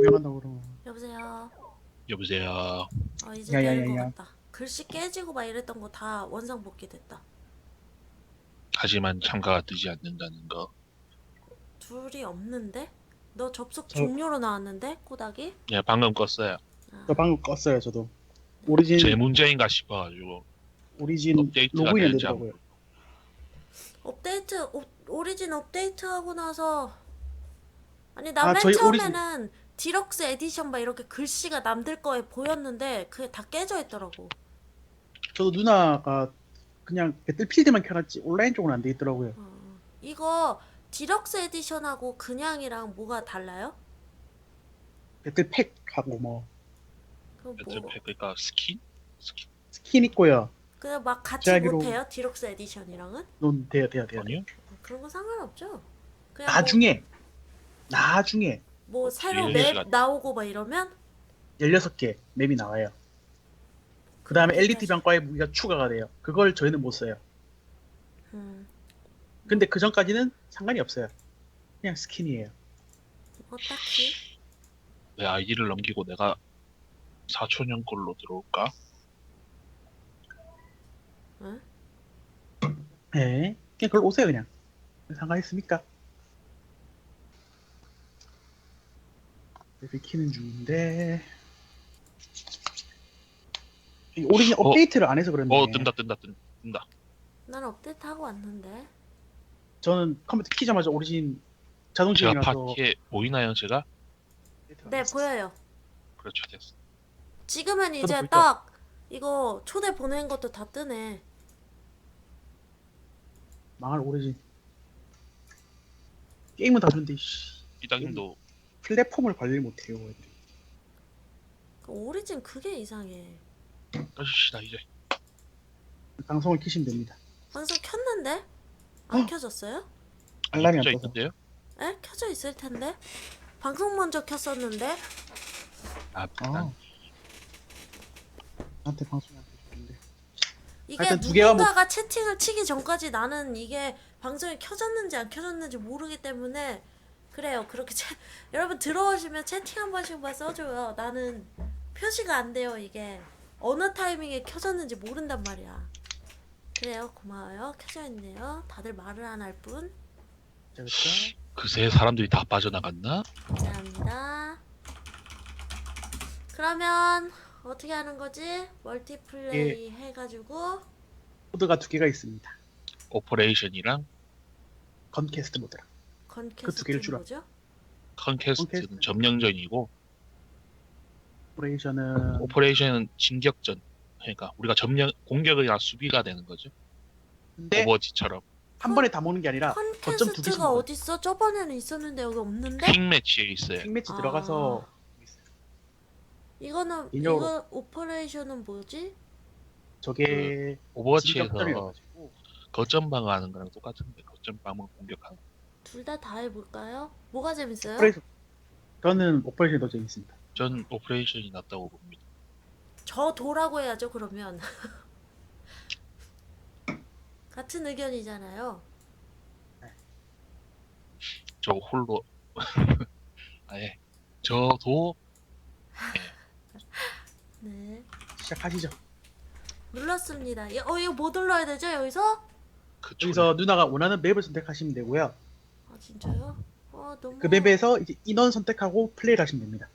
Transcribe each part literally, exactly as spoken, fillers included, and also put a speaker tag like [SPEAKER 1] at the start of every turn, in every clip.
[SPEAKER 1] 구경한다고 그러면.
[SPEAKER 2] 여보세요.
[SPEAKER 3] 여보세요.
[SPEAKER 2] 어 이제 되는 것
[SPEAKER 1] 야야야야.
[SPEAKER 2] 같다. 글씨 깨지고 막 이랬던 거 다 원상복귀 됐다.
[SPEAKER 3] 하지만 참가가 뜨지 않는다는 거.
[SPEAKER 2] 둘이 없는데? 너 접속
[SPEAKER 1] 저,
[SPEAKER 2] 종료로 나왔는데? 꼬닥이?
[SPEAKER 3] 예, 방금 껐어요.
[SPEAKER 1] 저
[SPEAKER 2] 아,
[SPEAKER 1] 방금 껐어요, 저도.
[SPEAKER 2] 네.
[SPEAKER 1] 오리진,
[SPEAKER 3] 제 문제인가 싶어가지고
[SPEAKER 1] 오리진
[SPEAKER 3] 업데이트가
[SPEAKER 1] 로그인이 안
[SPEAKER 3] 될지 안
[SPEAKER 1] 되더라고요.
[SPEAKER 2] 업데이트 오, 오리진 업데이트 하고 나서 아니 나
[SPEAKER 1] 아,
[SPEAKER 2] 맨
[SPEAKER 1] 저희 오리진,
[SPEAKER 2] 처음에는 디럭스 에디션 막 이렇게 글씨가 남들 거에 보였는데 그게 다 깨져 있더라고.
[SPEAKER 1] 저도 누나가 그냥 배틀필드만 켜놨지 온라인 쪽은 안 돼 있더라고요.
[SPEAKER 2] 어, 이거 디럭스 에디션하고 그냥이랑 뭐가 달라요?
[SPEAKER 1] 배틀팩하고 뭐
[SPEAKER 2] 그 뭐
[SPEAKER 3] 배틀팩 그러니까 스킨? 스킨
[SPEAKER 1] 스킨 있고요.
[SPEAKER 2] 그냥 막 같이
[SPEAKER 1] 제가 알기로
[SPEAKER 2] 못해요? 디럭스 에디션이랑은?
[SPEAKER 1] 논 돼요, 돼요, 돼요, 돼요.
[SPEAKER 3] 아니요?
[SPEAKER 2] 그런 거 상관없죠. 그냥
[SPEAKER 1] 나중에, 나중에
[SPEAKER 2] 뭐, 뭐 새로
[SPEAKER 3] 뒤에
[SPEAKER 2] 맵
[SPEAKER 3] 시간.
[SPEAKER 2] 나오고 막 이러면
[SPEAKER 1] 열여섯 개 맵이 나와요. 그
[SPEAKER 2] 그럼
[SPEAKER 1] 다음에 엘리트
[SPEAKER 2] 다시
[SPEAKER 1] 병과의 무기가 추가가 돼요. 그걸 저희는 못 써요.
[SPEAKER 2] 음,
[SPEAKER 1] 근데 그 전까지는 상관이 없어요. 그냥 스킨이에요.
[SPEAKER 2] 뭐 딱히
[SPEAKER 3] 내 아이디를 넘기고 내가 사촌형 걸로 들어올까?
[SPEAKER 2] 응?
[SPEAKER 1] 네, 그냥 그걸 오세요, 그냥. 상관있습니까? 레벨 키는 중인데 이 오리진
[SPEAKER 3] 어,
[SPEAKER 1] 업데이트를 안 해서
[SPEAKER 3] 어
[SPEAKER 1] 그런데
[SPEAKER 3] 뜬다 뜬다 뜬- 뜬다.
[SPEAKER 2] 난 업데이트 하고 왔는데.
[SPEAKER 1] 저는 컴퓨터 키자마자 오리진 자동
[SPEAKER 3] 제가
[SPEAKER 1] 지원이라서
[SPEAKER 3] 파티에 보이나요, 제가?
[SPEAKER 1] 업데이트를 안
[SPEAKER 2] 네,
[SPEAKER 1] 했었어요.
[SPEAKER 2] 보여요.
[SPEAKER 3] 그렇죠, 됐어.
[SPEAKER 2] 지금은
[SPEAKER 1] 저도
[SPEAKER 2] 이제
[SPEAKER 1] 보이죠?
[SPEAKER 2] 딱 이거 초대 보낸 것도 다 뜨네.
[SPEAKER 1] 망할 오리진 게임은 다 좋은데 씨,
[SPEAKER 3] 이장님도
[SPEAKER 1] 플랫폼을 관리를 못해요 애들이.
[SPEAKER 2] 그 오리진 그게 이상해.
[SPEAKER 3] 꺼주시다 이제.
[SPEAKER 1] 방송을 키시면 됩니다.
[SPEAKER 2] 방송 켰는데? 안
[SPEAKER 1] 어?
[SPEAKER 2] 켜졌어요?
[SPEAKER 3] 아니
[SPEAKER 1] 알람이 안
[SPEAKER 3] 켜져
[SPEAKER 1] 떠서
[SPEAKER 3] 있던데요?
[SPEAKER 2] 에? 켜져 있을 텐데? 방송 먼저 켰었는데?
[SPEAKER 3] 아,
[SPEAKER 1] 아
[SPEAKER 3] 난
[SPEAKER 1] 나한테 방송이 안 되는데
[SPEAKER 2] 이게
[SPEAKER 1] 하여튼 두 개가 뭐
[SPEAKER 2] 누군가가 채팅을 치기 전까지 나는 이게 방송이 켜졌는지 안 켜졌는지 모르기 때문에 그래요. 그렇게 채... 여러분 들어오시면 채팅 한 번씩만 써줘요. 나는 표시가 안 돼요. 이게 어느 타이밍에 켜졌는지 모른단 말이야. 그래요. 고마워요. 켜져 있네요. 다들 말을 안 할 뿐.
[SPEAKER 1] 그렇죠.
[SPEAKER 3] 그새 사람들이 다 빠져나갔나?
[SPEAKER 2] 감사합니다. 그러면 어떻게 하는 거지? 멀티플레이 해가지고
[SPEAKER 1] 코드가 두 개가 있습니다.
[SPEAKER 3] 오퍼레이션이랑
[SPEAKER 1] 건캐스트 모드랑 그 두 개를
[SPEAKER 2] 건캐스트는
[SPEAKER 1] 주라.
[SPEAKER 2] 뭐죠?
[SPEAKER 3] 컨캐스트는
[SPEAKER 1] 컨캐스트
[SPEAKER 3] 점령전이고
[SPEAKER 1] 오퍼레이션은
[SPEAKER 3] 오퍼레이션은 진격전. 그러니까 우리가 점령 공격이나 수비가 되는 거죠.
[SPEAKER 1] 근데
[SPEAKER 3] 오버워치처럼
[SPEAKER 1] 한 번에 다 모는 게 아니라 거점 두 개씩
[SPEAKER 2] 컨캐스트가
[SPEAKER 1] 먹어요.
[SPEAKER 2] 어딨어? 저번에는 있었는데 여기 없는데?
[SPEAKER 3] 퀵 매치에 있어요.
[SPEAKER 1] 킹매치
[SPEAKER 2] 아,
[SPEAKER 1] 들어가서
[SPEAKER 2] 이거는
[SPEAKER 1] 인형으로
[SPEAKER 2] 이거 오퍼레이션은 뭐지?
[SPEAKER 3] 그
[SPEAKER 1] 저게
[SPEAKER 3] 오버워치에서
[SPEAKER 1] 진격전이라가지고
[SPEAKER 3] 거점 방어하는 거랑 똑같은데 거점 방어 공격하는.
[SPEAKER 2] 둘 다 다 해볼까요? 뭐가 재밌어요?
[SPEAKER 1] 오퍼레이션 저는 오퍼레이션이 더 재밌습니다.
[SPEAKER 3] 전 오퍼레이션이 낫다고 봅니다.
[SPEAKER 2] 저 도라고 해야죠 그러면. 같은 의견이잖아요.
[SPEAKER 3] 저 홀로 아예 저도
[SPEAKER 2] 네,
[SPEAKER 1] 시작하시죠.
[SPEAKER 2] 눌렀습니다. 이- 어 이거 뭐 눌러야 되죠 여기서?
[SPEAKER 3] 그 초
[SPEAKER 1] 여기서 누나가 원하는 맵을 선택하시면 되고요.
[SPEAKER 2] 아 진짜요? 어 너무
[SPEAKER 1] 그 맵에서 이제 인원 선택하고 플레이를 하시면 됩니다.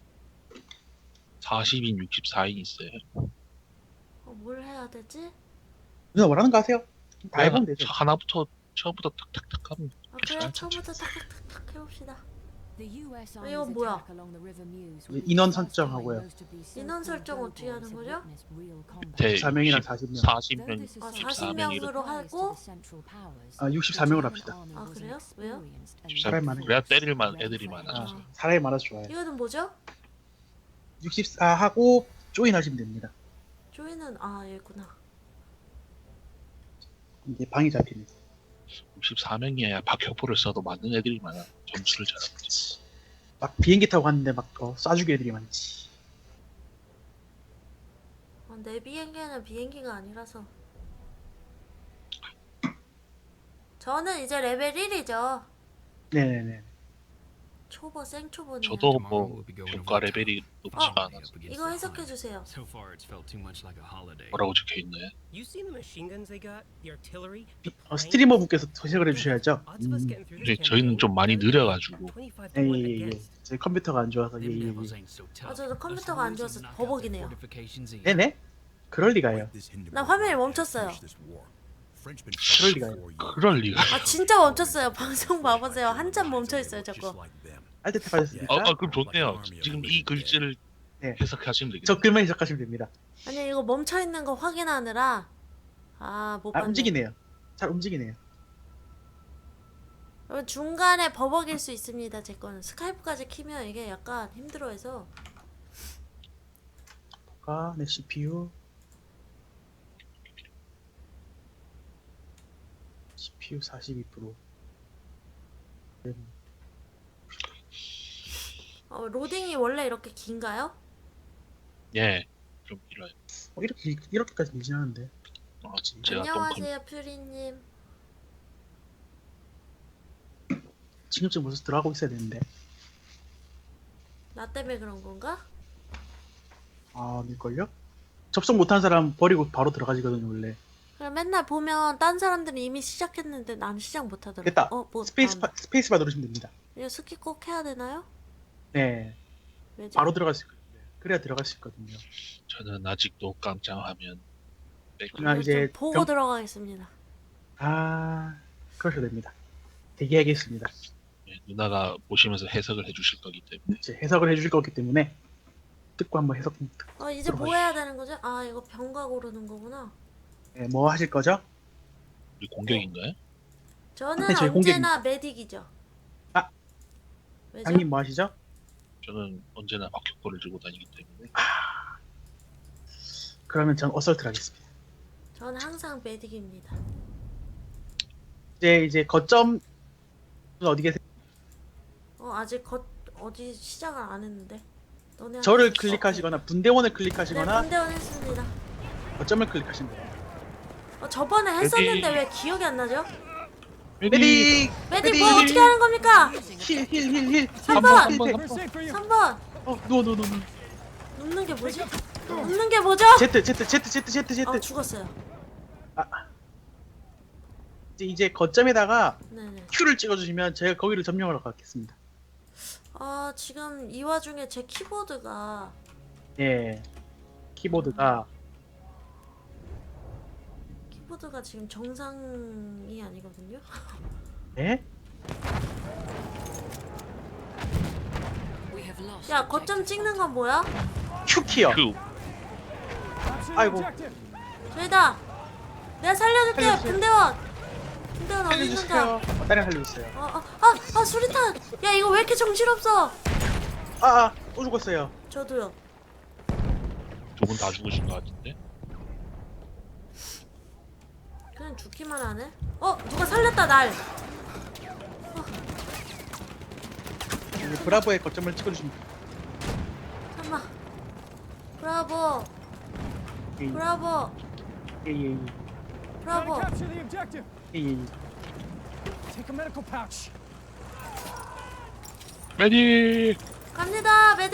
[SPEAKER 3] 사십 인, 육십사 인 있어요.
[SPEAKER 2] 어, 뭘 해야 되지?
[SPEAKER 1] 누나 원하는 거 하세요. 다
[SPEAKER 3] 그냥
[SPEAKER 1] 해보면 되죠.
[SPEAKER 3] 하나부터 처음부터 탁탁탁 하면
[SPEAKER 2] 아 그래요?
[SPEAKER 3] 괜찮죠.
[SPEAKER 2] 처음부터 탁탁탁탁 해봅시다.
[SPEAKER 4] 이건
[SPEAKER 2] 이건 뭐야?
[SPEAKER 1] 이제 인원 설정하고요.
[SPEAKER 2] 인원 설정 어떻게 하는 거죠?
[SPEAKER 3] 밑에
[SPEAKER 1] 사 명이랑 사십 명.
[SPEAKER 3] 사십 명,
[SPEAKER 2] 아
[SPEAKER 3] 육십사
[SPEAKER 2] 사십
[SPEAKER 3] 명 이렇게
[SPEAKER 2] 명으로 하고
[SPEAKER 1] 아, 육십사 명으로 합시다.
[SPEAKER 2] 아 그래요? 왜요?
[SPEAKER 1] 사람이 많으니까.
[SPEAKER 3] 그래야 때릴만 애들이 많아져.
[SPEAKER 1] 아, 사람이 많아서 좋아요.
[SPEAKER 2] 이거는 뭐죠?
[SPEAKER 1] 육십사 하고 조인 하시면 됩니다.
[SPEAKER 2] 조이는 아 얘구나.
[SPEAKER 1] 이게 방이 잡히는.
[SPEAKER 3] 육십사 명이어야 박격포를 써도 맞는 애들이 많아. 점수를 잘하지.
[SPEAKER 1] 막 비행기 타고 갔는데 막 어, 쏴주기 애들이 많지.
[SPEAKER 2] 어, 내 비행기는 비행기가 아니라서. 저는 이제 레벨 일이죠.
[SPEAKER 1] 네네네.
[SPEAKER 2] 초보 생초보네요.
[SPEAKER 3] 저도 뭐 평가 레벨이 높지가
[SPEAKER 2] 어,
[SPEAKER 3] 않아서
[SPEAKER 2] 이거 해석해 주세요.
[SPEAKER 4] So far, it's felt too much like a holiday.
[SPEAKER 3] 뭐라고 적혀있네.
[SPEAKER 5] You seen the machine guns they got? The artillery? The
[SPEAKER 1] 어,
[SPEAKER 5] planes?
[SPEAKER 1] 스트리머 분께서 해석을 해주셔야죠.
[SPEAKER 5] Odds of us
[SPEAKER 1] 음.
[SPEAKER 5] getting through
[SPEAKER 3] 근데
[SPEAKER 5] this
[SPEAKER 3] 저희는 좀 많이
[SPEAKER 5] campaign
[SPEAKER 3] 느려가지고
[SPEAKER 5] twenty-five to one
[SPEAKER 1] 예예예.
[SPEAKER 5] against.
[SPEAKER 1] 제 컴퓨터가 안 좋아서
[SPEAKER 4] Them
[SPEAKER 1] 예예예.
[SPEAKER 4] devils ain't so tough.
[SPEAKER 2] 아, 저도 컴퓨터가 안 좋아서 버벅이네요.
[SPEAKER 1] 네네. 그럴 리가요.
[SPEAKER 2] 나 화면이 멈췄어요.
[SPEAKER 1] 그럴 리가요.
[SPEAKER 3] 그럴 리가.
[SPEAKER 2] 아 진짜 멈췄어요. 방송 봐보세요. 한참 멈춰 있어요. 저거.
[SPEAKER 1] 알트 탭하셨습니까?
[SPEAKER 3] 아, 아 그럼 좋네요. 지금 이 글씨를
[SPEAKER 1] 네.
[SPEAKER 3] 해석하시면 되겠네요.
[SPEAKER 1] 저 글만 해석하시면 됩니다.
[SPEAKER 2] 아니 이거 멈춰 있는 거 확인하느라 아못
[SPEAKER 1] 아
[SPEAKER 2] 봤네.
[SPEAKER 1] 움직이네요. 잘 움직이네요.
[SPEAKER 2] 여러분 중간에 버벅일 수 있습니다. 제 거는 스카이프까지 키면 이게 약간 힘들어해서.
[SPEAKER 1] 아, 네 씨피유. 씨피유 사십이 퍼센트.
[SPEAKER 2] 어, 로딩이 원래 이렇게 긴가요?
[SPEAKER 3] 예, 좀 길어요.
[SPEAKER 1] 어, 이렇게 이렇게까지 밀진 않은데.
[SPEAKER 3] 아, 제가 좀 컴...
[SPEAKER 2] 안녕하세요 퓨리님.
[SPEAKER 1] 지금쯤 벌써 들어가고 있어야 되는데.
[SPEAKER 2] 나 때문에 그런 건가?
[SPEAKER 1] 아, 밀걸요? 접속 못한 사람 버리고 바로 들어가지거든요 원래.
[SPEAKER 2] 그럼 맨날 보면 딴 사람들은 이미 시작했는데 나는 시작 못하더라고.
[SPEAKER 1] 됐다.
[SPEAKER 2] 어, 뭐,
[SPEAKER 1] 스페이스
[SPEAKER 2] 아,
[SPEAKER 1] 바, 스페이스 바 누르시면 됩니다.
[SPEAKER 2] 이거 스킵 꼭 해야 되나요?
[SPEAKER 1] 네,
[SPEAKER 2] 왜죠?
[SPEAKER 1] 바로 들어갈 수 있거든요. 그래야 들어갈 수 있거든요.
[SPEAKER 3] 저는 아직도 깜짝하면
[SPEAKER 1] 아,
[SPEAKER 2] 네,
[SPEAKER 1] 이제
[SPEAKER 2] 좀 보고
[SPEAKER 1] 병-
[SPEAKER 2] 들어가겠습니다.
[SPEAKER 1] 아, 그러셔도 됩니다. 대기하겠습니다.
[SPEAKER 3] 예, 누나가 보시면서 해석을 해주실 거기 때문에
[SPEAKER 1] 이제 해석을 해주실 거기 때문에 듣고 한번 해석.
[SPEAKER 2] 어 이제 뭐 해야 되는 거죠? 아 이거 병가 고르는 거구나.
[SPEAKER 1] 네, 뭐 하실 거죠?
[SPEAKER 3] 우리 공격인가요?
[SPEAKER 2] 저는
[SPEAKER 1] 네, 저희
[SPEAKER 2] 언제나 메딕이죠.
[SPEAKER 1] 아,
[SPEAKER 2] 왜죠?
[SPEAKER 1] 장님 뭐 하시죠?
[SPEAKER 3] 저는 언제나 박격포를 들고 다니기 때문에
[SPEAKER 1] 그러면 전 어설트를 하겠습니다.
[SPEAKER 2] 저는 항상 메딕입니다.
[SPEAKER 1] 이제 이제 거점 어디 계세요?
[SPEAKER 2] 어 아직 거, 어디 시작을 안 했는데. 너네
[SPEAKER 1] 저를
[SPEAKER 2] 한번-
[SPEAKER 1] 클릭하시거나 분대원을
[SPEAKER 2] 네,
[SPEAKER 1] 클릭하시거나
[SPEAKER 2] 분대원 했습니다.
[SPEAKER 1] 거점을 클릭하시면 돼요.
[SPEAKER 2] 어, 저번에 했었는데
[SPEAKER 3] 메딕.
[SPEAKER 2] 왜 기억이 안 나죠?
[SPEAKER 1] 메딕!
[SPEAKER 2] 메딕 뭐 어떻게 하는 겁니까?
[SPEAKER 1] 힐 힐 힐 힐.
[SPEAKER 2] 삼 번!
[SPEAKER 1] 힐, 힐.
[SPEAKER 2] 삼 번!
[SPEAKER 1] 어, 누워 누워 누워. 누워.
[SPEAKER 2] 눕는 게 뭐지? 눕는 게 뭐죠?
[SPEAKER 1] 제트 제트 제트 제트 제트 제트.
[SPEAKER 2] 어 죽었어요.
[SPEAKER 1] 이제 이제 거점에다가
[SPEAKER 2] 네네.
[SPEAKER 1] Q를 찍어주시면 제가 거기를 점령하러 가겠습니다.
[SPEAKER 2] 아 지금 이 와중에 제 키보드가
[SPEAKER 1] 예. 키보드가
[SPEAKER 2] 키보드가 지금 정상이 아니거든요.
[SPEAKER 1] 예?
[SPEAKER 2] 야 거점 찍는 건 뭐야?
[SPEAKER 1] Q 키요.
[SPEAKER 3] 그
[SPEAKER 1] 아이고.
[SPEAKER 2] 저희다. 내가 살려줄게.
[SPEAKER 1] 살려주세요.
[SPEAKER 2] 분대원. 분대원 어디 있는가?
[SPEAKER 1] 살려주세요. 어, 다른 살리고 있어요.
[SPEAKER 2] 아아아 아, 수리탄. 야 이거 왜 이렇게 정신없어?
[SPEAKER 1] 아, 아, 또 죽었어요.
[SPEAKER 2] 저도요.
[SPEAKER 3] 두 분 다 죽으신 것 같은데
[SPEAKER 2] 그냥 죽기만 하네. 어 누가 살렸다 날.
[SPEAKER 1] 이제 브라보의 거점을 찍어주시면 돼요.
[SPEAKER 2] 잠만. 브라보.
[SPEAKER 1] 예,
[SPEAKER 2] 브라보.
[SPEAKER 1] 예, 예, 예.
[SPEAKER 2] 브라보.
[SPEAKER 4] Capture the objective.
[SPEAKER 1] 예, 예, 예.
[SPEAKER 4] Take a medical pouch.
[SPEAKER 3] 메딕
[SPEAKER 2] 갑니다 메딕.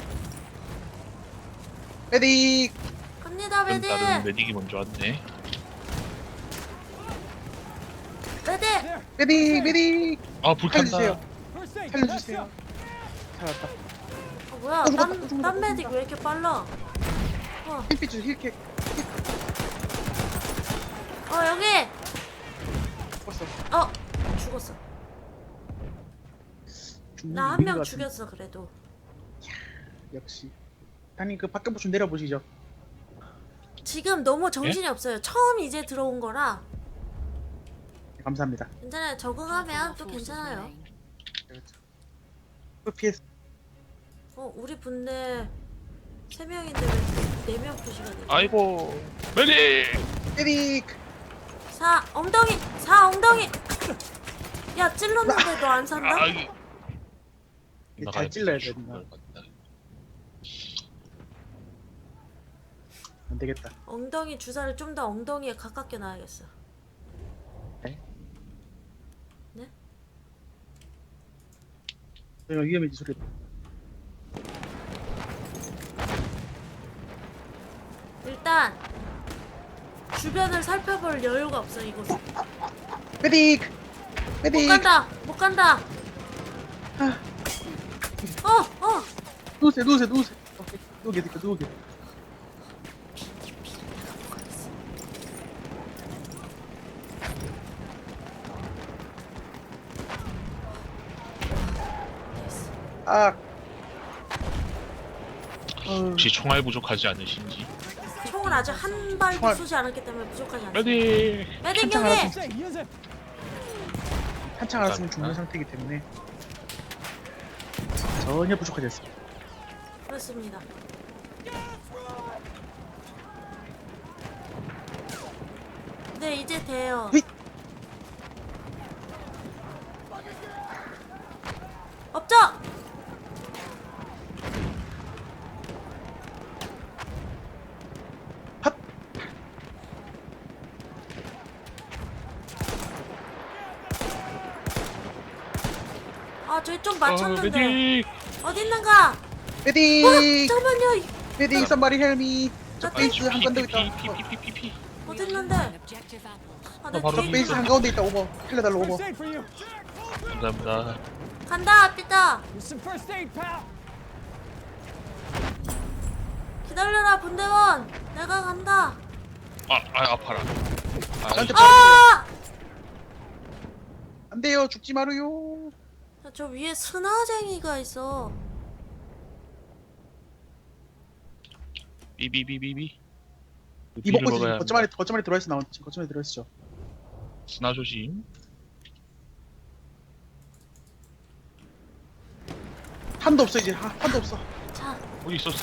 [SPEAKER 1] 메딕!
[SPEAKER 2] 갑니다
[SPEAKER 3] 다른
[SPEAKER 2] 메딕.
[SPEAKER 3] 메딕이 먼저 왔네.
[SPEAKER 2] 메딕.
[SPEAKER 1] 메딕! 메딕!
[SPEAKER 3] 아 불탄다.
[SPEAKER 1] 살려주세요.
[SPEAKER 4] First aid.
[SPEAKER 1] 살려주세요. 살았다.
[SPEAKER 2] 어, 뭐야?
[SPEAKER 1] 죽었다,
[SPEAKER 2] 딴,
[SPEAKER 1] 죽었다,
[SPEAKER 2] 딴 메딕
[SPEAKER 1] 죽었다.
[SPEAKER 2] 왜 이렇게 빨라? 어,
[SPEAKER 1] 힐pit 주 힐킥.
[SPEAKER 2] 어 여기.
[SPEAKER 1] 죽었어.
[SPEAKER 2] 어 죽었어.
[SPEAKER 1] 죽는
[SPEAKER 2] 나 한
[SPEAKER 1] 게
[SPEAKER 2] 명
[SPEAKER 1] 있는 것
[SPEAKER 2] 죽였어 그래도.
[SPEAKER 1] 같은데. 역시. 당님 그 밖에 좀 내려보시죠.
[SPEAKER 2] 지금 너무 정신이 없어요. 처음 이제 들어온 거라
[SPEAKER 1] 네, 감사합니다.
[SPEAKER 2] 괜찮아요. 적응하면 또 괜찮아요.
[SPEAKER 1] 그렇죠. 피에스.
[SPEAKER 2] 어 우리 분대 세 명인데 왜 네 명 표시가 돼?
[SPEAKER 3] 아이고 메딕.
[SPEAKER 1] 메딕!
[SPEAKER 2] 사 엉덩이 사 엉덩이. 야 찔렀는데 너 안 산다?
[SPEAKER 3] 아, 이-
[SPEAKER 1] 이게 잘 찔러야 돼,
[SPEAKER 3] 죽은
[SPEAKER 1] 누나.
[SPEAKER 3] 것 같다.
[SPEAKER 1] 안 되겠다.
[SPEAKER 2] 엉덩이 주사를 좀 더 엉덩이에 가깝게 놔야겠어.
[SPEAKER 1] 내가 위험해지 소리.
[SPEAKER 2] 일단 주변을 살펴볼 여유가 없어 이곳은.
[SPEAKER 1] 메딕!
[SPEAKER 2] 못
[SPEAKER 1] 메딕!
[SPEAKER 2] 간다. 못 간다.
[SPEAKER 1] 아,
[SPEAKER 2] 어, 어.
[SPEAKER 1] 누우세요, 누우세요, 누우세요. 오케이, 누우게, 누우게, 누우게. 아. 어,
[SPEAKER 3] 혹시 총알 부족하지 않으신지?
[SPEAKER 2] 총을 아직 한 발도
[SPEAKER 1] 총알.
[SPEAKER 2] 쏘지 않았기 때문에 부족하지 않습니다.
[SPEAKER 3] 메딕!
[SPEAKER 2] 메딕
[SPEAKER 1] 한창
[SPEAKER 2] 여기.
[SPEAKER 1] 알았어.
[SPEAKER 4] Say, use it.
[SPEAKER 1] 한창 알았으면 죽는 상태이기 때문에 전혀 부족하지 않습니다.
[SPEAKER 2] 그렇습니다. 네 이제 돼요.
[SPEAKER 1] 휘!
[SPEAKER 2] 업적.
[SPEAKER 1] 핫!
[SPEAKER 2] 아 저기 좀
[SPEAKER 3] 어,
[SPEAKER 2] 맞췄는데
[SPEAKER 3] 메딕!
[SPEAKER 2] 어디 있는가? 어
[SPEAKER 1] 메딕!
[SPEAKER 2] 잠깐만요. 이-
[SPEAKER 1] 메딕 somebody help me. 저
[SPEAKER 2] 저
[SPEAKER 1] 베이스 한가운데 있다.
[SPEAKER 3] 피피피피피피.
[SPEAKER 2] 어디 있는데? 아, 내
[SPEAKER 3] 나 바로
[SPEAKER 2] 뒤에
[SPEAKER 1] 베이스 한가운데 있다. 오버. 헬레달로 오버.
[SPEAKER 4] First aid for you.
[SPEAKER 3] 감사합니다.
[SPEAKER 2] 간다 삐다.
[SPEAKER 4] Here's some first aid, pal.
[SPEAKER 2] 기다려라 분대원. 내가 간다.
[SPEAKER 3] 아, 아 아파라. 아,
[SPEAKER 1] 나한테
[SPEAKER 2] 아!
[SPEAKER 1] 안 돼요. 죽지 마루요.
[SPEAKER 2] 저 위에 스나쟁이가 있어.
[SPEAKER 3] 비비비비비.
[SPEAKER 1] 이번 거지. 거점 안에 거점 안에 들어와 있어 나온. 지금 거점 안에 들어와 있죠.
[SPEAKER 3] 스나 조심.
[SPEAKER 1] 한도 없어 이제. 하, 한도 없어.
[SPEAKER 2] 자,
[SPEAKER 3] 어디 있었어?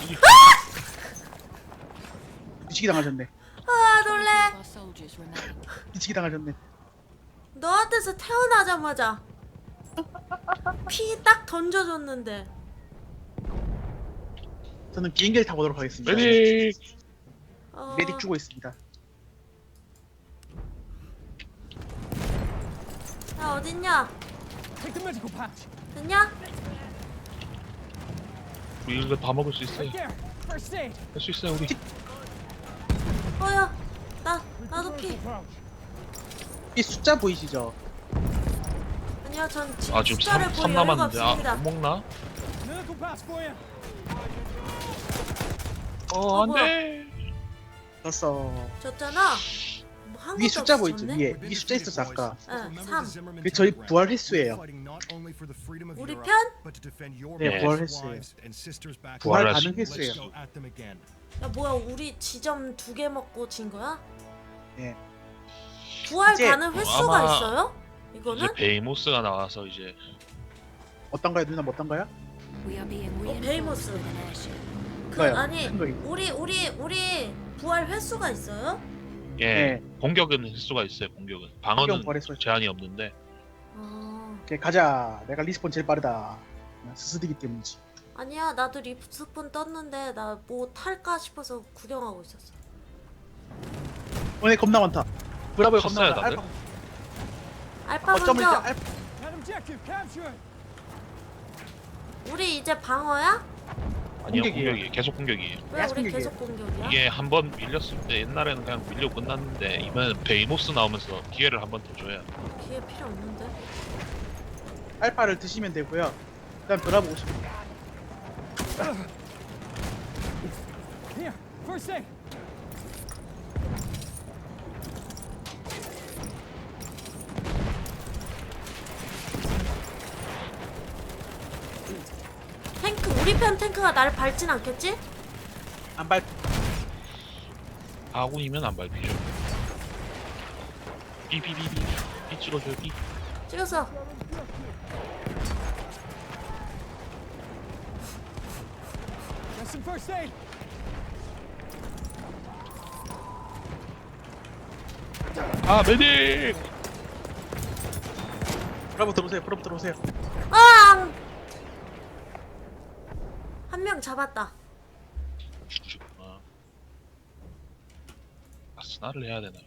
[SPEAKER 1] 미치기 당하셨네.
[SPEAKER 2] 아 놀래.
[SPEAKER 1] 미치기 당하셨네.
[SPEAKER 2] 너한테서 태어나자마자 피 딱 던져줬는데.
[SPEAKER 1] 저는 비행기를 타고 오도록 하겠습니다.
[SPEAKER 3] 메딕!
[SPEAKER 2] 어...
[SPEAKER 1] 메딕 주고 있습니다.
[SPEAKER 2] 야 어딨냐?
[SPEAKER 4] Take the medical pouch.
[SPEAKER 2] 됐냐?
[SPEAKER 3] 우리 이거 다 먹을 수 있어요.
[SPEAKER 4] Right there. First aid.
[SPEAKER 3] 할 수 있어요 우리.
[SPEAKER 2] 어야 나 나도 피.
[SPEAKER 4] Medical pouch.
[SPEAKER 1] 이 숫자 보이시죠?
[SPEAKER 2] 아니요 전 지금
[SPEAKER 3] 아 지금
[SPEAKER 2] 숫자를
[SPEAKER 3] 삼,
[SPEAKER 2] 볼
[SPEAKER 3] 삼
[SPEAKER 2] 여유가
[SPEAKER 3] 남았는데
[SPEAKER 2] 없습니다.
[SPEAKER 3] 아, 못 먹나?
[SPEAKER 4] Medical pouch for you.
[SPEAKER 3] 어
[SPEAKER 2] 어,
[SPEAKER 3] 안돼.
[SPEAKER 1] 됐어.
[SPEAKER 2] 줬잖아. 뭐 한
[SPEAKER 1] 위에
[SPEAKER 2] 것도
[SPEAKER 1] 숫자
[SPEAKER 2] 없이
[SPEAKER 1] 보이죠?
[SPEAKER 2] 줬네?
[SPEAKER 1] 위에 이 숫자 있었어 아까.
[SPEAKER 2] 응, 삼.
[SPEAKER 1] 그게 저희 부활 횟수예요.
[SPEAKER 2] 우리 편?
[SPEAKER 1] 네,
[SPEAKER 3] 네.
[SPEAKER 1] 부활 횟수예요.
[SPEAKER 3] 부활
[SPEAKER 1] 부활
[SPEAKER 3] 횟수.
[SPEAKER 1] 가능 횟수예요.
[SPEAKER 2] 야 뭐야 우리 지점 두 개 먹고 진 거야?
[SPEAKER 1] 네.
[SPEAKER 2] 부활
[SPEAKER 1] 이제
[SPEAKER 2] 가는 횟수가
[SPEAKER 3] 아마
[SPEAKER 2] 있어요?
[SPEAKER 3] 이제
[SPEAKER 2] 이거는?
[SPEAKER 3] 베이모스가 나와서 이제
[SPEAKER 1] 어떤가요 누나 어떤가요?
[SPEAKER 2] 어, 베이모스. 그
[SPEAKER 1] 그거요.
[SPEAKER 2] 아니
[SPEAKER 1] 큰 거 있고.
[SPEAKER 2] 우리 우리 우리 부활 횟수가 있어요?
[SPEAKER 3] 예
[SPEAKER 1] 네.
[SPEAKER 3] 공격은 횟수가 있어요. 공격은
[SPEAKER 1] 공격
[SPEAKER 3] 방어는
[SPEAKER 1] 부활 횟수가
[SPEAKER 3] 제한이 없는데
[SPEAKER 2] 어...
[SPEAKER 1] 오케이 가자. 내가 리스폰 제일 빠르다. 스스디기 때문이지.
[SPEAKER 2] 아니야 나도 리스폰 떴는데 나 뭐 탈까 싶어서 구경하고 있었어.
[SPEAKER 1] 오늘 겁나 많다. 브라보에 겁나
[SPEAKER 3] 쳤어요,
[SPEAKER 1] 많다.
[SPEAKER 3] 다들?
[SPEAKER 2] 알파
[SPEAKER 1] 어쩌면 이제
[SPEAKER 2] 먼저.
[SPEAKER 1] 알파
[SPEAKER 4] That objective captured.
[SPEAKER 2] 우리 이제 방어야?
[SPEAKER 3] 아니요
[SPEAKER 1] 공격이에요.
[SPEAKER 3] 공격이에요. 계속 공격이에요.
[SPEAKER 2] 왜
[SPEAKER 1] 계속
[SPEAKER 2] 우리
[SPEAKER 1] 공격이에요.
[SPEAKER 2] 계속 공격이야?
[SPEAKER 3] 이게 한 번 밀렸을 때 옛날에는 그냥 밀려 끝났는데 이번엔 베이모스 나오면서 기회를 한 번 더 줘야
[SPEAKER 2] 기회 필요 없는데.
[SPEAKER 1] 알파를 드시면 되고요. 그다음 브라보 오시면
[SPEAKER 4] Here. First aid.
[SPEAKER 2] 탱크 우리 편 탱크가 나를 밟진 않겠지?
[SPEAKER 1] 안 밟.
[SPEAKER 3] 아군이면 안 밟히죠. 삐삐삐삐 삐 찍어줘요 삐.
[SPEAKER 2] 찍었어.
[SPEAKER 4] Got some first aid.
[SPEAKER 3] 아 메딕!
[SPEAKER 1] 브라보 들어오세요. 브라보 들어오세요.
[SPEAKER 2] 아! 한 명 잡았다.
[SPEAKER 3] 죽구나. 아 스나를 해야 되나?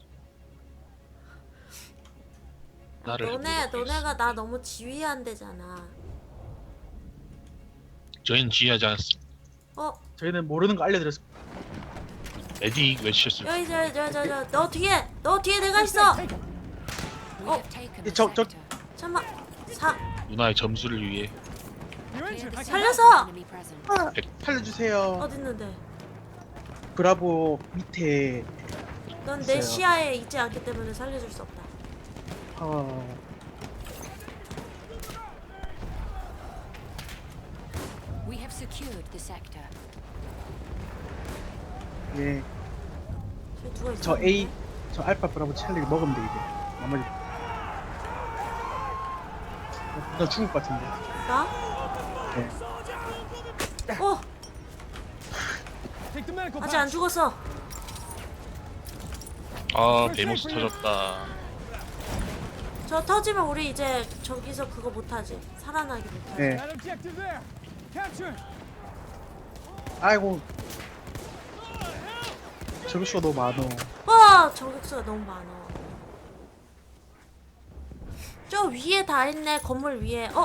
[SPEAKER 3] 나를
[SPEAKER 2] 너네
[SPEAKER 3] 해보도록
[SPEAKER 2] 너네가
[SPEAKER 3] 하겠습니다.
[SPEAKER 2] 나 너무 지휘한대잖아.
[SPEAKER 3] 저희는 지휘하지 않았습니다.
[SPEAKER 2] 어
[SPEAKER 1] 저희는 모르는 거 알려드렸습니다.
[SPEAKER 3] 메딕 외치셨습니다.
[SPEAKER 2] 여기 저저저저 너 뒤에 너 뒤에 내가 있어.
[SPEAKER 4] Take it.
[SPEAKER 6] We have taken the
[SPEAKER 1] 저- 저-
[SPEAKER 6] sector.
[SPEAKER 2] 잠만 사
[SPEAKER 3] 누나의 점수를 위해
[SPEAKER 4] You're
[SPEAKER 6] Clear
[SPEAKER 4] injured.
[SPEAKER 6] the
[SPEAKER 4] I
[SPEAKER 6] sector
[SPEAKER 4] can
[SPEAKER 2] 살려서!
[SPEAKER 6] from enemy presence.
[SPEAKER 1] 아, 살려주세요.
[SPEAKER 2] 어딨는데?
[SPEAKER 1] 브라보 밑에
[SPEAKER 2] 넌 내
[SPEAKER 1] 있어요.
[SPEAKER 2] 시야에 있지 않기 때문에 살려줄 수 없다.
[SPEAKER 1] 어,
[SPEAKER 6] We have secured the sector.
[SPEAKER 1] 예,
[SPEAKER 2] 저기 누가 있어?
[SPEAKER 1] 저 A, 저 알파 브라보 찰리 먹으면 돼 이제. 나머지 나 죽을 것 같은데.
[SPEAKER 2] 나?
[SPEAKER 1] 네.
[SPEAKER 2] 어
[SPEAKER 4] take the medical
[SPEAKER 2] 아직 안
[SPEAKER 4] pouch.
[SPEAKER 2] 죽었어.
[SPEAKER 3] 아 베이모스 터졌다.
[SPEAKER 2] 저 터지면 우리 이제 저기서 그거 못하지. 살아나기 못하지.
[SPEAKER 1] 네.
[SPEAKER 4] That objective there. Capture it.
[SPEAKER 1] 아이고. 저격수가 너무 많어.
[SPEAKER 2] 와 저격수가 너무 많아. 저 위에 다 있네. 건물 위에. 어?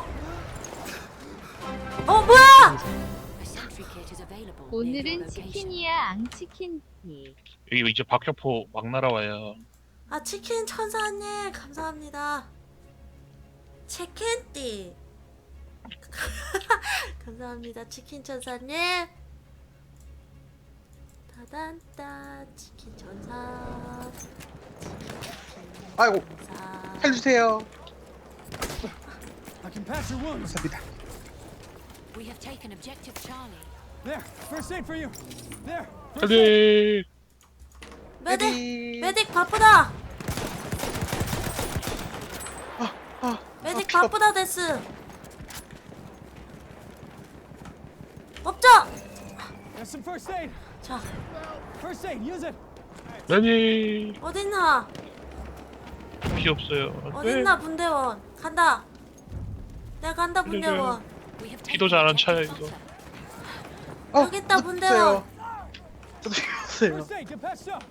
[SPEAKER 2] 어 뭐야?
[SPEAKER 6] A sentry kit is available. near your
[SPEAKER 7] 오늘은
[SPEAKER 6] location.
[SPEAKER 7] 치킨이야 앙치킨티.
[SPEAKER 3] 여기 이제 박격포 막 날아와요.
[SPEAKER 2] 아 치킨 천사님 감사합니다. 치킨띠. 감사합니다 치킨 천사님. 다단따 치킨 천사.
[SPEAKER 1] 아이고,
[SPEAKER 2] 천사.
[SPEAKER 1] 살려주세요.
[SPEAKER 4] I can patch your wounds.
[SPEAKER 1] 감사합니다.
[SPEAKER 6] We have taken objective Charlie.
[SPEAKER 4] There. First aid for you. There. First aid.
[SPEAKER 3] 메딕
[SPEAKER 2] 메딕 메딕 바쁘다.
[SPEAKER 1] 아, 아,
[SPEAKER 2] 메딕
[SPEAKER 1] 아, 피가-
[SPEAKER 2] 바쁘다 데스. 업적.
[SPEAKER 4] Got some first aid.
[SPEAKER 2] 자
[SPEAKER 4] First aid. Use it.
[SPEAKER 3] 메딕
[SPEAKER 2] 어딨나
[SPEAKER 3] 피 없어요. 네.
[SPEAKER 2] 어딨나 분대원 간다. 내가 간다 분대원.
[SPEAKER 6] We have
[SPEAKER 3] 피도
[SPEAKER 6] taken
[SPEAKER 3] 잘 안
[SPEAKER 6] objective
[SPEAKER 3] 차요, 이거.
[SPEAKER 6] butter.
[SPEAKER 1] 어,
[SPEAKER 2] 여기 있다,
[SPEAKER 1] 저도
[SPEAKER 2] 분대원.
[SPEAKER 1] 죽었어요. 저도 죽었어요.
[SPEAKER 4] First aid. Get patched up.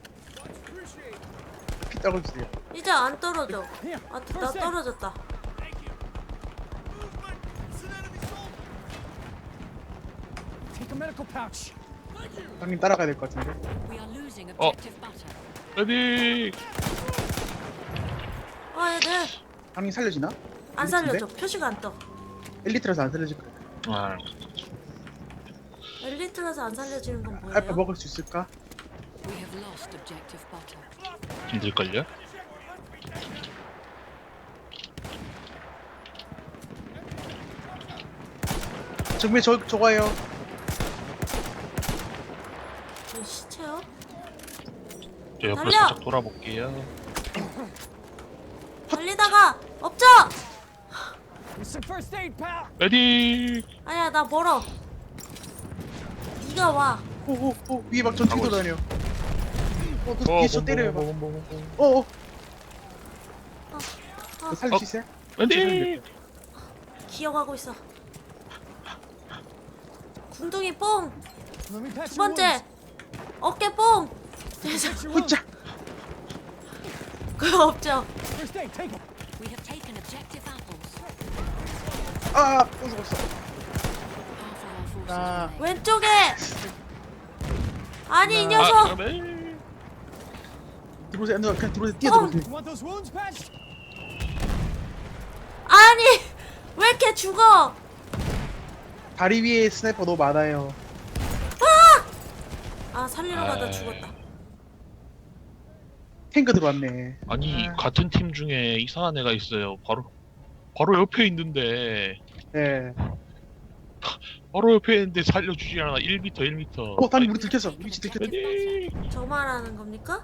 [SPEAKER 1] 피 떨어주세요.
[SPEAKER 2] 이제 안 떨어져.
[SPEAKER 4] Here.
[SPEAKER 2] 아, 나
[SPEAKER 4] First aid.
[SPEAKER 2] 떨어졌다.
[SPEAKER 4] Take a medical pouch.
[SPEAKER 1] 형님 따라가야 될 것 같은데.
[SPEAKER 6] We are losing
[SPEAKER 3] Oh.
[SPEAKER 6] objective butter.
[SPEAKER 3] 메딕
[SPEAKER 2] 아 얘들
[SPEAKER 1] 형님 살려주나?
[SPEAKER 2] 안 살려줘. 표시가 안 떠.
[SPEAKER 1] 엘리트라서 안 살려줄 거야.
[SPEAKER 3] 아,
[SPEAKER 2] 엘리트라서 안 살려주는 건
[SPEAKER 1] 알파
[SPEAKER 2] 뭐예요?
[SPEAKER 1] 먹을 수 있을까?
[SPEAKER 6] We have lost objective butter.
[SPEAKER 3] 힘들걸요?
[SPEAKER 1] 정말 저 저거예요.
[SPEAKER 2] 저 시체요?
[SPEAKER 3] 저 옆으로
[SPEAKER 2] 달려!
[SPEAKER 3] 살짝 돌아볼게요.
[SPEAKER 2] 달리다가 업적.
[SPEAKER 4] Here's some first aid, pal.
[SPEAKER 3] 메딕
[SPEAKER 2] 아니야 나 멀어. 네가 와.
[SPEAKER 1] 오오오 위에 막 전투기
[SPEAKER 3] 가고
[SPEAKER 1] 돌아다녀. 어, 그
[SPEAKER 3] 어,
[SPEAKER 1] 뒤에 저 때려요. 막.
[SPEAKER 3] 뭐,
[SPEAKER 1] 어어.
[SPEAKER 2] 어,
[SPEAKER 1] 살릴 수 있어요?
[SPEAKER 3] 메딕
[SPEAKER 2] 기어가고 있어. 궁둥이 뽕.
[SPEAKER 4] Let me patch
[SPEAKER 2] 두
[SPEAKER 4] your
[SPEAKER 2] 번째
[SPEAKER 4] wounds.
[SPEAKER 2] 어깨 뽕.
[SPEAKER 4] Patch your wounds.
[SPEAKER 1] 혼자.
[SPEAKER 2] 그거 없죠.
[SPEAKER 4] First aid. Take it.
[SPEAKER 6] We have taken objective apples.
[SPEAKER 1] 아, 또 죽었어.
[SPEAKER 6] Half of our forces
[SPEAKER 1] 아.
[SPEAKER 6] remain.
[SPEAKER 2] 왼쪽에. 아니 이
[SPEAKER 1] 아,
[SPEAKER 2] 녀석.
[SPEAKER 3] 아, 메딕
[SPEAKER 1] 들어오세요. 누나 그냥 들어오세요.
[SPEAKER 2] 어.
[SPEAKER 1] 뛰어들어오세요.
[SPEAKER 4] You want those wounds patched?
[SPEAKER 2] 아니 왜 이렇게 죽어?
[SPEAKER 1] 다리 위에 스나이퍼 너무 많아요.
[SPEAKER 2] 아 살리러 가다
[SPEAKER 3] 아이.
[SPEAKER 2] 죽었다.
[SPEAKER 1] 탱크 들어왔네.
[SPEAKER 3] 아니
[SPEAKER 1] 아.
[SPEAKER 3] 같은 팀 중에 이상한 애가 있어요. 바로 바로 옆에 있는데
[SPEAKER 1] 네.
[SPEAKER 3] 바로 옆에 있는데 살려주지 않아. 일 미터 일 미터.
[SPEAKER 1] 어, 다리 우리 들켰어. 위치 들켰어.
[SPEAKER 3] 메딕
[SPEAKER 2] 저 말하는 겁니까?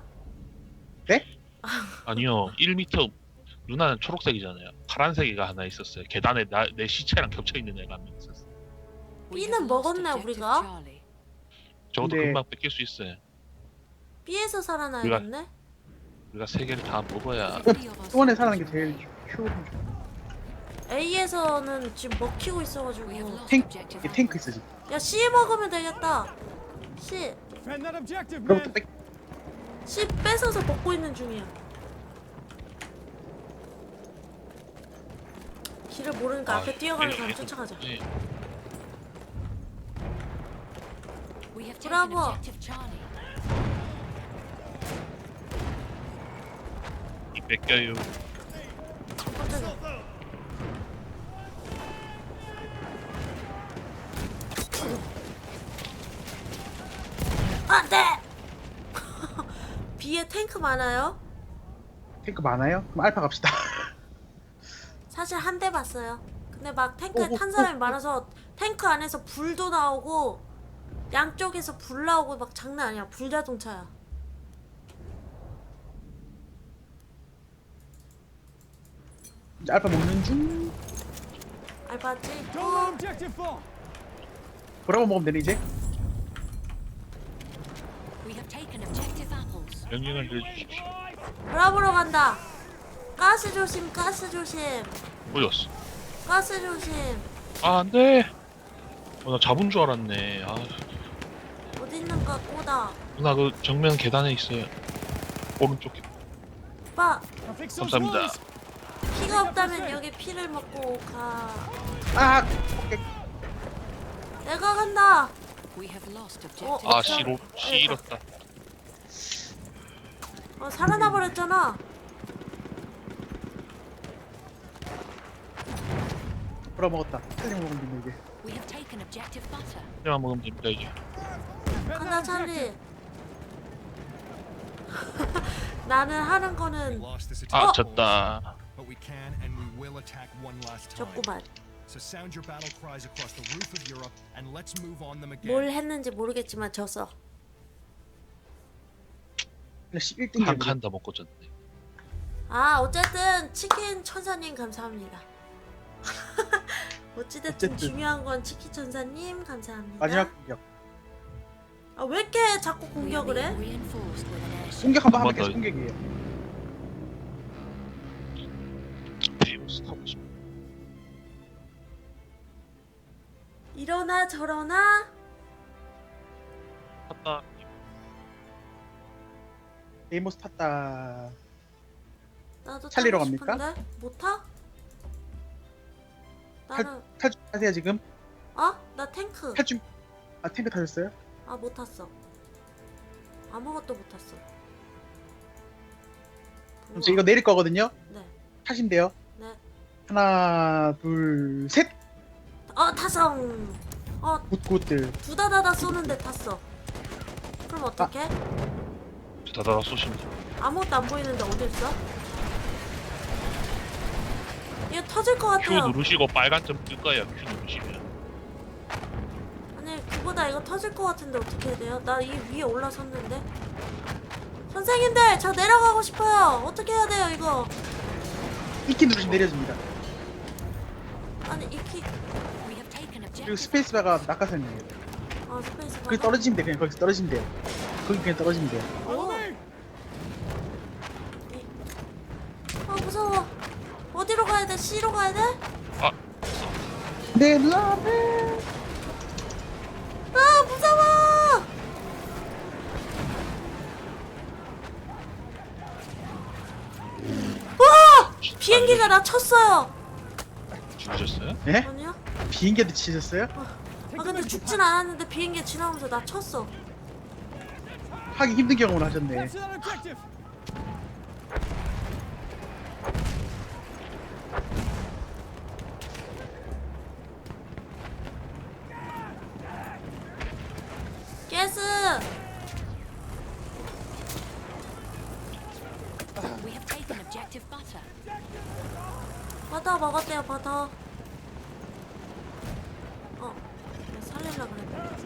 [SPEAKER 3] 아니요 일 미터 누나는 초록색이잖아요. 파란색이가 하나 있었어요. 계단에 나, 내 시체랑 겹쳐 있는 애가 한 명 있었어.
[SPEAKER 6] We
[SPEAKER 2] B는
[SPEAKER 6] have lost
[SPEAKER 2] 먹었네,
[SPEAKER 6] objective
[SPEAKER 2] 우리가.
[SPEAKER 6] Charlie.
[SPEAKER 3] 저것도
[SPEAKER 1] 근데-
[SPEAKER 3] 금방 뺏길 수 있어요.
[SPEAKER 2] B에서 살아나야겠네.
[SPEAKER 3] 우리가 세 개를 다 먹어야.
[SPEAKER 6] Three of our
[SPEAKER 1] 수원에
[SPEAKER 6] soldiers
[SPEAKER 1] 사는 게 제일
[SPEAKER 6] remain.
[SPEAKER 1] 효율.
[SPEAKER 2] A에서는 지금 먹히고
[SPEAKER 6] We have
[SPEAKER 2] 있어가지고.
[SPEAKER 6] lost
[SPEAKER 1] 탱,
[SPEAKER 6] objective
[SPEAKER 1] 이게 탱크 있어 지금.
[SPEAKER 2] 야 C 먹으면 되겠다. C
[SPEAKER 4] Defend that objective,
[SPEAKER 1] 그럼부터
[SPEAKER 4] man.
[SPEAKER 1] 백.
[SPEAKER 2] C 뺏어서 먹고 있는 중이야. 길을 모르니까 앞에 뛰어가는 사람 쫓아가자.
[SPEAKER 3] 네.
[SPEAKER 6] taken
[SPEAKER 2] 브라보.
[SPEAKER 6] objective Charlie.
[SPEAKER 3] 이 뺏겨요.
[SPEAKER 2] 깜짝이야. 안 돼! B에 탱크 많아요?
[SPEAKER 1] 탱크 많아요? 그럼 알파 갑시다.
[SPEAKER 2] 사실 한 대 봤어요. 근데 막 탱크에
[SPEAKER 1] 오,
[SPEAKER 2] 탄
[SPEAKER 1] 오,
[SPEAKER 2] 사람이
[SPEAKER 1] 오.
[SPEAKER 2] 많아서 탱크 안에서 불도 나오고 양쪽에서 불 나오고 막 장난 아니야. 불자동차야.
[SPEAKER 1] 이제 알파 먹는 중.
[SPEAKER 2] 알바지?
[SPEAKER 4] Don't let objective fall.
[SPEAKER 1] 브라보 먹으면 되네 이제.
[SPEAKER 6] We have taken objective apples.
[SPEAKER 3] 명령을 내려주십시오.
[SPEAKER 2] 브라보로 간다. 가스 조심, 가스 조심,
[SPEAKER 3] 보였어.
[SPEAKER 2] 가스 조심.
[SPEAKER 3] 아 안돼. 어, 나 잡은 줄 알았네. 아
[SPEAKER 2] 어디 있는가 꼬다.
[SPEAKER 3] 누나 그 정면 계단에 있어요. 오른쪽.
[SPEAKER 2] 오빠
[SPEAKER 4] I'll fix those
[SPEAKER 3] 감사합니다.
[SPEAKER 4] wounds.
[SPEAKER 2] 피가 없다면 여기 피를 먹고 가.
[SPEAKER 1] 아, 오케이.
[SPEAKER 2] 내가 간다.
[SPEAKER 6] We have lost
[SPEAKER 2] 어,
[SPEAKER 6] objective.
[SPEAKER 3] 아
[SPEAKER 2] 어,
[SPEAKER 3] 씨로 씨 잃었다.
[SPEAKER 2] 어, 살아나 버렸잖아.
[SPEAKER 1] 브라보 먹었다. 찰리 먹으면 되네 이제.
[SPEAKER 6] We have taken objective butter.
[SPEAKER 3] 그냥 먹으면 됩니다 이제.
[SPEAKER 4] Defend
[SPEAKER 2] 간다
[SPEAKER 4] that
[SPEAKER 2] 찰리.
[SPEAKER 4] objective.
[SPEAKER 2] 나는 하는 거는
[SPEAKER 8] Lost this
[SPEAKER 3] 아
[SPEAKER 8] attack,
[SPEAKER 3] 졌다.
[SPEAKER 8] but we can and we will attack one last time.
[SPEAKER 2] 졌구만.
[SPEAKER 8] So sound your battle cries across the roof of Europe and let's move on them again.
[SPEAKER 2] 뭘 했는지 모르겠지만 졌어.
[SPEAKER 1] 일 등
[SPEAKER 3] 한 칸 더 먹고 졌네.
[SPEAKER 2] 아 어쨌든 치킨 천사님 감사합니다. 어찌됐든
[SPEAKER 1] 어쨌든.
[SPEAKER 2] 중요한 건 치킨 천사님 감사합니다.
[SPEAKER 1] 마지막 공격.
[SPEAKER 2] 아 왜 이렇게 자꾸
[SPEAKER 6] We are
[SPEAKER 2] 공격을 해?
[SPEAKER 6] being reinforced with an airship.
[SPEAKER 1] 공격 한 번
[SPEAKER 3] 한
[SPEAKER 1] 하면
[SPEAKER 3] 번
[SPEAKER 1] 계속
[SPEAKER 3] 더.
[SPEAKER 1] 공격이에요.
[SPEAKER 3] 베이모스 타고 싶어.
[SPEAKER 2] 이러나 저러나
[SPEAKER 3] 탔다.
[SPEAKER 1] 데이모스 탔다.
[SPEAKER 2] 나도
[SPEAKER 1] 찰리로
[SPEAKER 2] 타고
[SPEAKER 1] 갑니까?
[SPEAKER 2] 싶은데? 못 타? 나는
[SPEAKER 1] 탈출 하세요 지금.
[SPEAKER 2] 어? 나 탱크.
[SPEAKER 1] 탈출. 아 탱크 타셨어요?
[SPEAKER 2] 아 못 탔어. 아무것도 못 탔어.
[SPEAKER 1] 그럼 저 이거 내릴 거거든요.
[SPEAKER 2] 네.
[SPEAKER 1] 타시면 돼요.
[SPEAKER 2] 네.
[SPEAKER 1] 하나, 둘, 셋.
[SPEAKER 2] 어 타성. 어
[SPEAKER 1] 굿굿들.
[SPEAKER 2] 두다다다 쏘는데 탔어. 그럼 어떡해?
[SPEAKER 3] 다다다 쏘시면 돼.
[SPEAKER 2] 아무것도 안 보이는데 어디 있어? 이거 터질 것
[SPEAKER 3] Q
[SPEAKER 2] 같아요.
[SPEAKER 3] 누르시고 빨간 점 뜰 거예요. Q 누르시면.
[SPEAKER 2] 아니 그보다 이거 터질 것 같은데 어떻게 해야 돼요? 나 이 위에 올라섰는데. 선생님들 저 내려가고 싶어요. 어떻게 해야 돼요 이거?
[SPEAKER 1] 이키 누르시면 내려집니다.
[SPEAKER 2] 아니 이키
[SPEAKER 6] We have taken
[SPEAKER 1] 그리고
[SPEAKER 6] objective.
[SPEAKER 1] 스페이스바가 낙하산이에요.
[SPEAKER 2] 아 스페이스
[SPEAKER 1] 거기 떨어지면 돼. 그냥 거기서 떨어지면 돼요. 거기 그냥 떨어지면 돼요.
[SPEAKER 2] 오. 아 무서워. 어디로 가야 돼? C로 가야 돼?
[SPEAKER 3] 아
[SPEAKER 1] 내 라멘.
[SPEAKER 2] 아 무서워. 와! 비행기가 나 쳤어요.
[SPEAKER 3] 죽으셨어요?
[SPEAKER 1] 예?
[SPEAKER 2] 아니요?
[SPEAKER 1] 비행기도 치셨어요?
[SPEAKER 2] 아 근데 죽진 않았는데 비행기 지나오면서 나 쳤어.
[SPEAKER 1] 하기 힘든 경험을 하셨네.
[SPEAKER 4] Capture that objective.
[SPEAKER 2] 가스.
[SPEAKER 6] We have taken objective butter.
[SPEAKER 2] 버터 먹었대요 버터. 어, 내가 살릴라 그랬는데.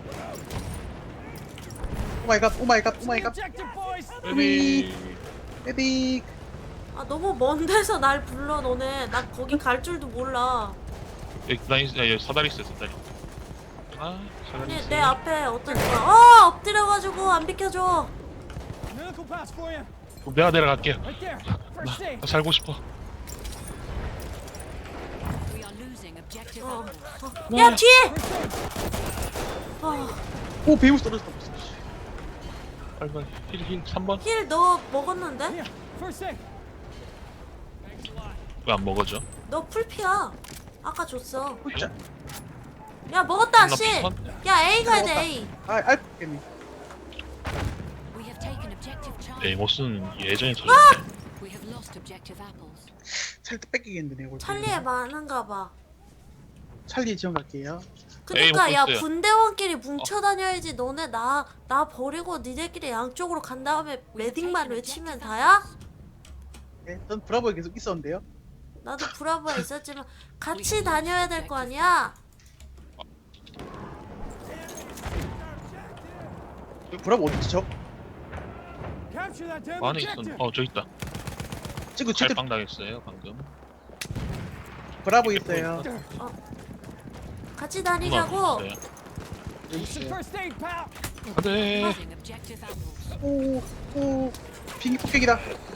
[SPEAKER 1] 오마이갓, 오마이갓,
[SPEAKER 4] The
[SPEAKER 1] 오마이갓.
[SPEAKER 4] objective, boys.
[SPEAKER 3] 베비.
[SPEAKER 1] 에딕.
[SPEAKER 2] 아 너무 먼 데서 날 불러 너네. 나 거기 갈 줄도 몰라.
[SPEAKER 3] 여기 나 있- 야, 여기 사다리 있어요 사다리. 아 사다리
[SPEAKER 2] 아니
[SPEAKER 3] 있어요.
[SPEAKER 2] 내 앞에 어떤 거야? 어 엎드려가지고 안 비켜줘.
[SPEAKER 4] Medical pass for you.
[SPEAKER 3] 그럼 내가 내려갈게요.
[SPEAKER 4] Right there. First
[SPEAKER 3] 나,
[SPEAKER 4] aid.
[SPEAKER 3] 나 살고 싶어.
[SPEAKER 6] We are losing objective
[SPEAKER 2] 어,
[SPEAKER 6] apples.
[SPEAKER 2] 어. 야 뒤에. 어,
[SPEAKER 1] 오, 베이모스 떨어졌다.
[SPEAKER 3] 빨리 빨리 힐힐 삼 번.
[SPEAKER 2] 힐 너 먹었는데?
[SPEAKER 4] Here. First aid.
[SPEAKER 3] 왜 안 먹어져?
[SPEAKER 2] 너 풀피야. 아까 줬어.
[SPEAKER 1] 훌짜.
[SPEAKER 2] 야 먹었다
[SPEAKER 3] 나
[SPEAKER 2] 씨.
[SPEAKER 3] 비슷한-
[SPEAKER 2] 야 A 가야 돼 A.
[SPEAKER 1] 아 알겠네.
[SPEAKER 6] We have taken objective Charlie.
[SPEAKER 3] 에이모스는 예전에 터졌네.
[SPEAKER 6] We have lost objective apples.
[SPEAKER 1] 찰리 뺏기겠는데 내가 볼 때는.
[SPEAKER 2] 찰리에 많은가 봐.
[SPEAKER 1] 찰리 지원 갈게요.
[SPEAKER 2] 그니까
[SPEAKER 3] 에이,
[SPEAKER 2] 야
[SPEAKER 3] 먹고 있어요.
[SPEAKER 2] 분대원끼리 뭉쳐 다녀야지. 너네 나 나 버리고 니네끼리 양쪽으로 간 다음에 매딩만 외치면 다야?
[SPEAKER 1] 네, 전 브라보에 계속 있었는데요.
[SPEAKER 2] 나도 브라보에 있었지만 같이 다녀야 될 거 아니야?
[SPEAKER 1] 브라보 어디지 저?
[SPEAKER 4] Capture that damn
[SPEAKER 3] 안에
[SPEAKER 4] objective.
[SPEAKER 3] 있었. 어, 저 있다.
[SPEAKER 1] 지금 절대
[SPEAKER 3] 갈빵 당했어요 방금.
[SPEAKER 1] 브라보 있어요.
[SPEAKER 2] 같이
[SPEAKER 3] 누나
[SPEAKER 2] 다니자고.
[SPEAKER 3] 있어요.
[SPEAKER 1] 여기
[SPEAKER 4] It's the
[SPEAKER 1] 있어요.
[SPEAKER 4] first aid, pal.
[SPEAKER 3] 안돼.
[SPEAKER 6] Losing objective apples.
[SPEAKER 1] 오, 오, 비행기 폭격이다.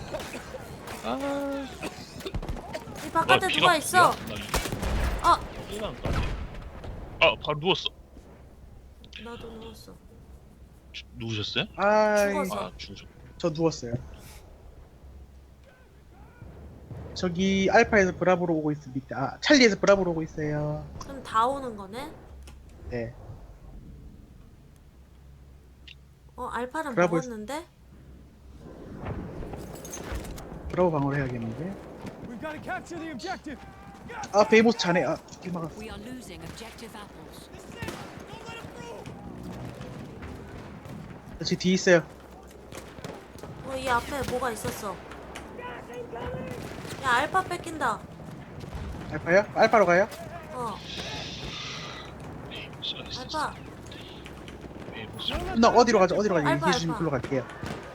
[SPEAKER 3] 아.
[SPEAKER 2] 이 바깥에 누가 있어? 어
[SPEAKER 3] 아 바로 누웠어.
[SPEAKER 2] 나도 누웠어.
[SPEAKER 3] 주- 누우셨어요?
[SPEAKER 1] 아,
[SPEAKER 2] 죽었어.
[SPEAKER 3] 아 죽으셨.
[SPEAKER 1] 저 누웠어요. 저기 알파에서 브라보로 오고 있습니다. 아, 찰리에서 브라보로 오고 있어요.
[SPEAKER 2] 그럼 다 오는 거네?
[SPEAKER 1] 네.
[SPEAKER 2] 어 알파는
[SPEAKER 1] 브라보
[SPEAKER 2] 먹었는데?
[SPEAKER 1] 브라보 방어를 해야겠는데.
[SPEAKER 4] We've got to capture the objective.
[SPEAKER 1] 아, 베이모스 자네. 아, 길 막았어.
[SPEAKER 6] We are losing objective apples.
[SPEAKER 1] 제 뒤에 있어요.
[SPEAKER 2] 어 이 앞에 뭐가 있었어. 야 알파 뺏긴다.
[SPEAKER 1] 알파요? 알파로 가요?
[SPEAKER 2] 어
[SPEAKER 3] 에이모스가 있었어.
[SPEAKER 2] 알파.
[SPEAKER 3] 에이모스.
[SPEAKER 1] 나 어디로 가죠? 어디로 가죠?
[SPEAKER 2] 알파,
[SPEAKER 1] 얘기해 주시면
[SPEAKER 2] 알파.
[SPEAKER 1] 글로 갈게요.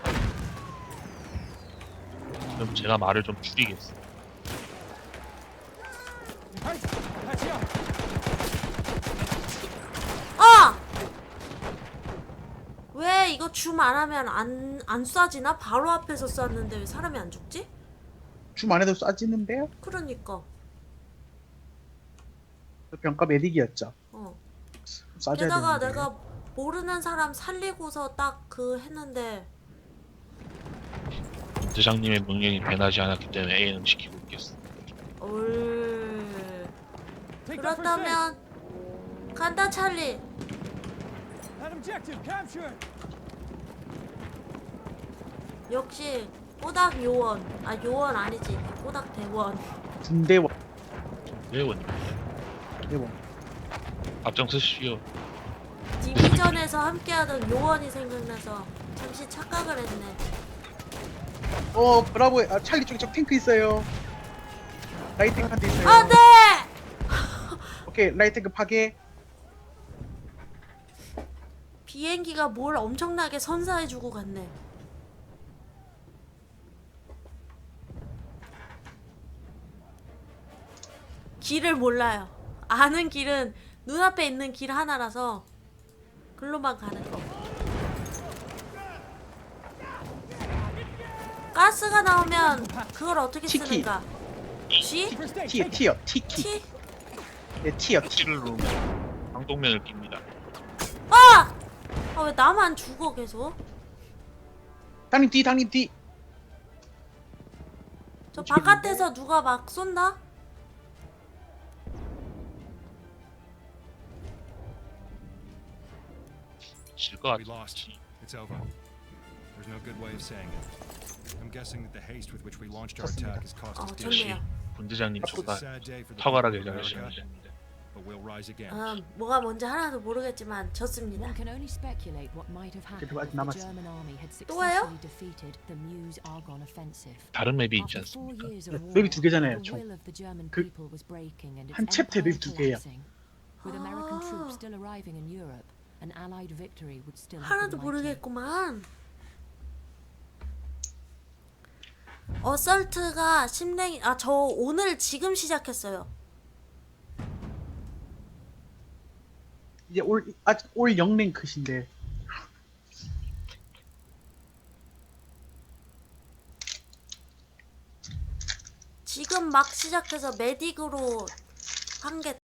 [SPEAKER 3] 그럼 제가 말을 좀 줄이겠어.
[SPEAKER 4] Hey, patch up.
[SPEAKER 2] 아! 왜 이거 줌 안 하면 안, 안 쏴지나? 바로 앞에서 쐈는데 왜 사람이 안 죽지?
[SPEAKER 1] 줌 안에도 쏴지는데요?
[SPEAKER 2] 그러니까
[SPEAKER 1] 병가 메딕이었죠.
[SPEAKER 2] 어
[SPEAKER 1] 쏴줘야
[SPEAKER 2] 게다가
[SPEAKER 1] 되는데.
[SPEAKER 2] 내가 모르는 사람 살리고서 딱 그 했는데
[SPEAKER 3] 대장님의 명령이 변하지 않았기 때문에 A는 지키고 있겠어.
[SPEAKER 2] 올
[SPEAKER 4] Take that first aid.
[SPEAKER 2] 그렇다면 간다 찰리.
[SPEAKER 4] That objective captured.
[SPEAKER 2] 역시 꼬닥 요원. 아 요원 아니지 꼬닥 대원.
[SPEAKER 1] 군대원.
[SPEAKER 3] 회원
[SPEAKER 1] 대원.
[SPEAKER 3] 앞장서시오.
[SPEAKER 2] 디비전에서 함께하던 요원이 생각나서 잠시 착각을 했네.
[SPEAKER 1] 어, 브라보에 아, 찰리 쪽에 저 탱크 있어요. 라이탱크 한 대 있어요.
[SPEAKER 2] 안돼!
[SPEAKER 1] 오케이, 라이탱크 파괴.
[SPEAKER 2] 비행기가 뭘 엄청나게 선사해주고 갔네. 길을 몰라요. 아는 길은 눈앞에 있는 길 하나라서 글로만 가는 거. 가스가 나오면 그걸 어떻게
[SPEAKER 1] 치키.
[SPEAKER 2] 쓰는가? G?
[SPEAKER 4] First aid.
[SPEAKER 1] 티어,
[SPEAKER 4] Take it.
[SPEAKER 1] 티어, 티키.
[SPEAKER 2] T?
[SPEAKER 3] 네,
[SPEAKER 1] 네, 티어, 티.
[SPEAKER 3] T를 누르면 방독면을 낍니다.
[SPEAKER 2] 아! 아 왜 나만 죽어 계속?
[SPEAKER 1] 당님 뒤, 당님 뒤.
[SPEAKER 2] 저
[SPEAKER 1] 어떻게
[SPEAKER 2] 바깥에서 누가 막 쏜다?
[SPEAKER 3] 질것
[SPEAKER 8] We
[SPEAKER 3] 같아.
[SPEAKER 8] lost. It's over. There's no good way of saying it. I'm guessing that the haste with which we launched our attack has cost
[SPEAKER 2] 어
[SPEAKER 8] us
[SPEAKER 3] 역시
[SPEAKER 8] dearly.
[SPEAKER 2] 좋네요.
[SPEAKER 3] 본대장님
[SPEAKER 8] It's a
[SPEAKER 3] 정말
[SPEAKER 8] sad day for the people
[SPEAKER 3] 탁월하게
[SPEAKER 8] of
[SPEAKER 3] 잘하시는
[SPEAKER 8] America,
[SPEAKER 3] 분입니다.
[SPEAKER 8] but we'll rise again.
[SPEAKER 2] 음, 뭐가 뭔지 하나도 모르겠지만 졌습니다.
[SPEAKER 6] One can only speculate what might have happened
[SPEAKER 1] 그래도 아직
[SPEAKER 6] if the
[SPEAKER 1] 남았어.
[SPEAKER 6] German army had
[SPEAKER 2] 또예요?
[SPEAKER 6] successfully defeated the Meuse-Argonne offensive.
[SPEAKER 3] 다른 맵이 있지
[SPEAKER 6] After four
[SPEAKER 3] 않습니까?
[SPEAKER 6] years of war,
[SPEAKER 1] 맵이 두 개잖아요,
[SPEAKER 6] the
[SPEAKER 1] 총.
[SPEAKER 6] will of the German
[SPEAKER 1] 그
[SPEAKER 6] people was breaking and its
[SPEAKER 1] 한 챕터에
[SPEAKER 6] empire
[SPEAKER 1] 맵이 두 개예요.
[SPEAKER 6] collapsing. With American
[SPEAKER 2] 아.
[SPEAKER 6] troops still arriving in Europe, an Allied victory would still have
[SPEAKER 2] 하나도
[SPEAKER 6] been likely.
[SPEAKER 2] 모르겠구만. 어설트가 심랭이 아 저 오늘 지금 시작했어요.
[SPEAKER 1] 이제 올 아직 올 영랭크신데.
[SPEAKER 2] 지금 막 시작해서 메딕으로 한 게